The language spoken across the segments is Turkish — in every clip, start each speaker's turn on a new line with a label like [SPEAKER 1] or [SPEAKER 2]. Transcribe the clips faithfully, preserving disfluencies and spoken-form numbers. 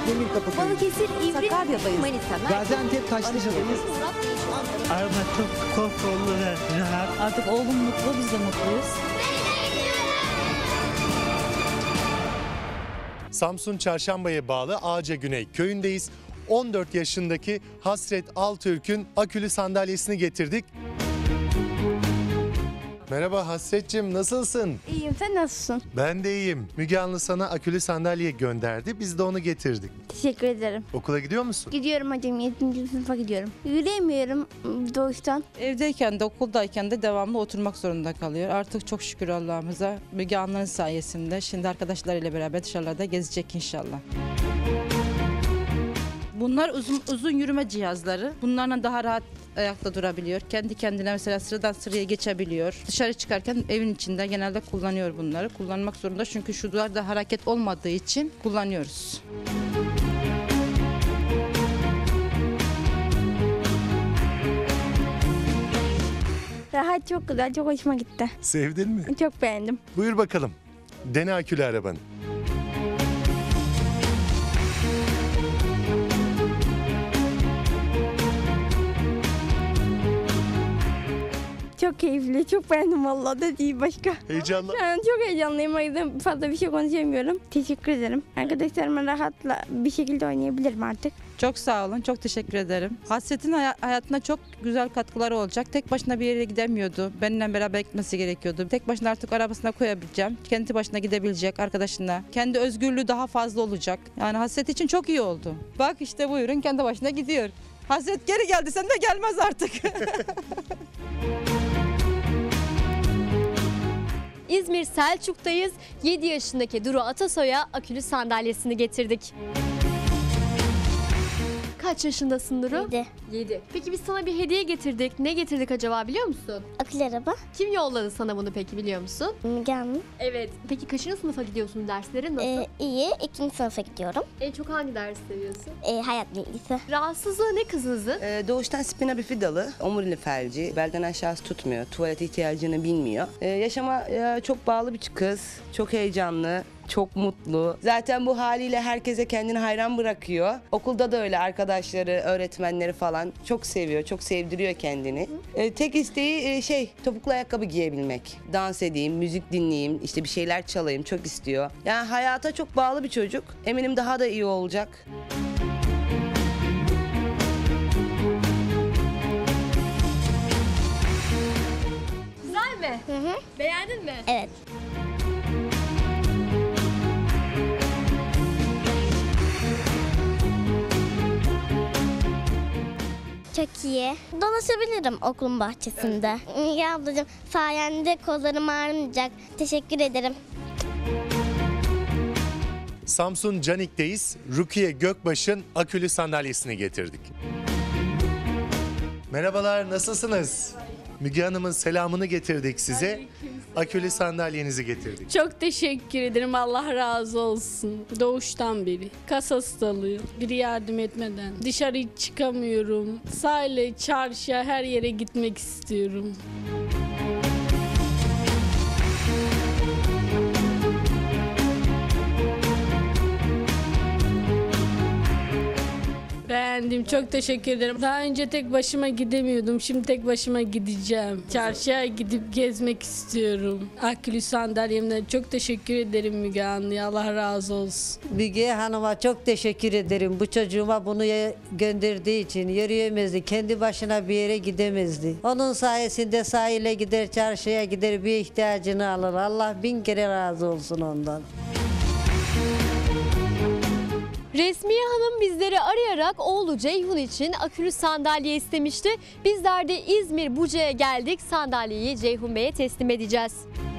[SPEAKER 1] Demirkapı Köyü.
[SPEAKER 2] Balıkesir, İvrit,
[SPEAKER 3] Sakarya'dayız.
[SPEAKER 2] Manisa,
[SPEAKER 1] Gaziantep Taşlıca'dayız.
[SPEAKER 4] Araba çok konforlu ve rahat.
[SPEAKER 3] Artık oğlum mutlu, biz de mutluyuz.
[SPEAKER 5] Samsun Çarşamba'ya bağlı Ağaca Güney köyündeyiz. on dört yaşındaki Hasret Altürk'ün akülü sandalyesini getirdik. Merhaba Hasretciğim, nasılsın?
[SPEAKER 6] İyiyim, sen nasılsın?
[SPEAKER 5] Ben de iyiyim. Müge Anlı sana akülü sandalye gönderdi. Biz de onu getirdik.
[SPEAKER 6] Teşekkür ederim.
[SPEAKER 5] Okula gidiyor musun?
[SPEAKER 6] Gidiyorum hocam, yedinci sınıfa gidiyorum. Yürüyemiyorum doğuştan.
[SPEAKER 3] Evdeyken de okuldayken de devamlı oturmak zorunda kalıyor. Artık çok şükür Allah'ımıza Müge Anlı'nın sayesinde şimdi arkadaşlarıyla beraber dışarılarda gezecek inşallah. Bunlar uzun uzun yürüme cihazları. Bunlarla daha rahat ayakta durabiliyor. Kendi kendine mesela sıradan sıraya geçebiliyor. Dışarı çıkarken evin içinde genelde kullanıyor bunları. Kullanmak zorunda çünkü şu duvarda hareket olmadığı için kullanıyoruz.
[SPEAKER 6] Rahat, çok güzel, çok hoşuma gitti.
[SPEAKER 5] Sevdin mi?
[SPEAKER 6] Çok beğendim.
[SPEAKER 5] Buyur bakalım. Dene akülü arabanı.
[SPEAKER 6] Çok keyifli, çok beğendim vallahi da değil başka.
[SPEAKER 5] Heyecanlı.
[SPEAKER 6] Şu an çok heyecanlıyım, o yüzden fazla bir şey konuşamıyorum. Teşekkür ederim. Arkadaşlarımla rahatla bir şekilde oynayabilirim artık.
[SPEAKER 3] Çok sağ olun, çok teşekkür ederim. Hasret'in hay- hayatına çok güzel katkıları olacak. Tek başına bir yere gidemiyordu. Benimle beraber gitmesi gerekiyordu. Tek başına artık arabasına koyabileceğim. Kendi başına gidebilecek arkadaşına. Kendi özgürlüğü daha fazla olacak. Yani Hasret için çok iyi oldu. Bak işte buyurun kendi başına gidiyor. Hasret geri geldi, sen de gelmez artık.
[SPEAKER 2] İzmir Selçuk'tayız. yedi yaşındaki Duru Atasoy'a akülü sandalyesini getirdik. Kaç yaşındasın Duru?
[SPEAKER 6] Yedi.
[SPEAKER 2] yedi. Peki biz sana bir hediye getirdik. Ne getirdik acaba biliyor musun?
[SPEAKER 6] Akıl araba.
[SPEAKER 2] Kim yolladı sana bunu peki biliyor musun?
[SPEAKER 6] Müge Anlı.
[SPEAKER 2] Evet. Peki kaçıncı sınıfa gidiyorsun? Derslerin nasıl?
[SPEAKER 6] Ee, iyi, ikinci sınıfa gidiyorum.
[SPEAKER 2] En çok hangi dersi seviyorsun?
[SPEAKER 6] Ee, hayat bilgisi.
[SPEAKER 2] Rahatsızlığı ne kızınızın?
[SPEAKER 7] Ee, doğuştan spina bifidalı, omurilik felci, belden aşağısı tutmuyor, tuvalet ihtiyacını bilmiyor. Ee, yaşama e, çok bağlı bir kız, çok heyecanlı, çok mutlu. Zaten bu haliyle herkese kendini hayran bırakıyor. Okulda da öyle, arkadaşları, öğretmenleri falan çok seviyor, çok sevdiriyor kendini. Ee, tek isteği e, şey, topuklu ayakkabı giyebilmek. Dans edeyim, müzik dinleyeyim, işte bir şeyler çalayım çok istiyor. Yani hayata çok bağlı bir çocuk. Eminim daha da iyi olacak.
[SPEAKER 2] Güzel mi?
[SPEAKER 6] Hı hı.
[SPEAKER 2] Beğendin mi?
[SPEAKER 6] Evet. Çok iyi. Dolaşabilirim okulun bahçesinde. Müge ablacığım, sayende kollarım ağrımayacak. Teşekkür ederim.
[SPEAKER 5] Samsun Canik'teyiz. Rukiye Gökbaş'ın akülü sandalyesini getirdik. Merhabalar, nasılsınız? Müge Hanım'ın selamını getirdik size. Akülü sandalyenizi getirdik.
[SPEAKER 8] Çok teşekkür ederim. Allah razı olsun. Doğuştan beri. Kas hastalığım. Biri yardım etmeden. Dışarı hiç çıkamıyorum. Sahile, çarşıya, her yere gitmek istiyorum. Beğendim. Çok teşekkür ederim. Daha önce tek başıma gidemiyordum. Şimdi tek başıma gideceğim. Çarşıya gidip gezmek istiyorum. Akülü sandalyemden çok teşekkür ederim Müge Anlı'ya. Allah razı olsun.
[SPEAKER 9] Müge Hanım'a çok teşekkür ederim. Bu çocuğuma bunu gönderdiği için yürüyemezdi. Kendi başına bir yere gidemezdi. Onun sayesinde sahile gider, çarşıya gider, bir ihtiyacını alır. Allah bin kere razı olsun ondan.
[SPEAKER 2] Resmiye Hanım bizleri arayarak oğlu Ceyhun için akülü sandalye istemişti. Bizler de İzmir Buca'ya geldik. Sandalyeyi Ceyhun Bey'e teslim edeceğiz.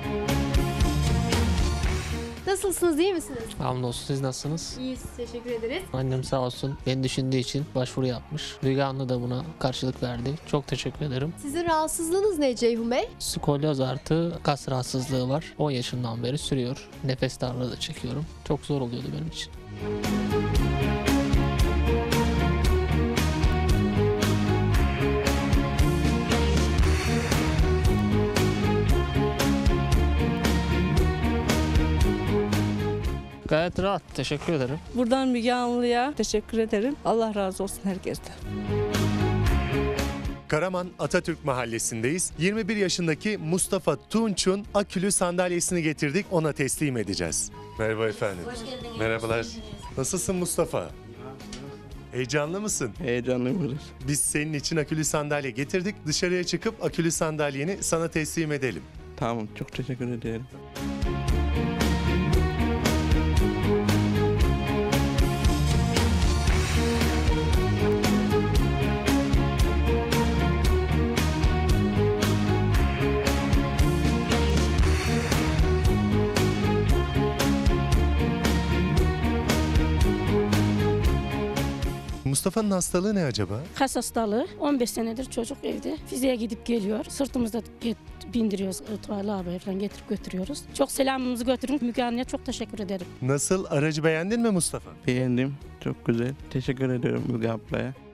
[SPEAKER 2] Nasılsınız, iyi misiniz?
[SPEAKER 10] Hamdolsun, siz nasılsınız?
[SPEAKER 2] İyiyiz, teşekkür ederiz.
[SPEAKER 10] Annem sağ olsun beni düşündüğü için başvuru yapmış. Müge Anlı da buna karşılık verdi. Çok teşekkür ederim.
[SPEAKER 2] Sizin rahatsızlığınız ne Ceyhun Bey?
[SPEAKER 10] Skolyoz artı kas rahatsızlığı var. on yaşından beri sürüyor. Nefes darlığı da çekiyorum. Çok zor oluyordu benim için. Gayet rahat. Teşekkür ederim.
[SPEAKER 11] Buradan Müge Anlı'ya teşekkür ederim. Allah razı olsun herkesten.
[SPEAKER 5] Karaman Atatürk Mahallesi'ndeyiz. yirmi bir yaşındaki Mustafa Tunç'un akülü sandalyesini getirdik, ona teslim edeceğiz. Merhaba efendim. Hoş geldiniz. Merhabalar. Nasılsın Mustafa? Heyecanlı mısın?
[SPEAKER 12] Heyecanlıyım.
[SPEAKER 5] Biz senin için akülü sandalye getirdik. Dışarıya çıkıp akülü sandalyeni sana teslim edelim.
[SPEAKER 12] Tamam, çok teşekkür ederim.
[SPEAKER 5] Mustafa'nın hastalığı ne acaba?
[SPEAKER 13] Kas hastalığı. on beş senedir çocuk evde. Fiziğe gidip geliyor. Sırtımızda get, bindiriyoruz. Tuvalet abi falan getirip götürüyoruz. Çok selamımızı götürün. Müge Anlı'ya çok teşekkür ederim.
[SPEAKER 5] Nasıl? Aracı beğendin mi Mustafa?
[SPEAKER 12] Beğendim. Çok güzel. Teşekkür ederim Müge ablaya.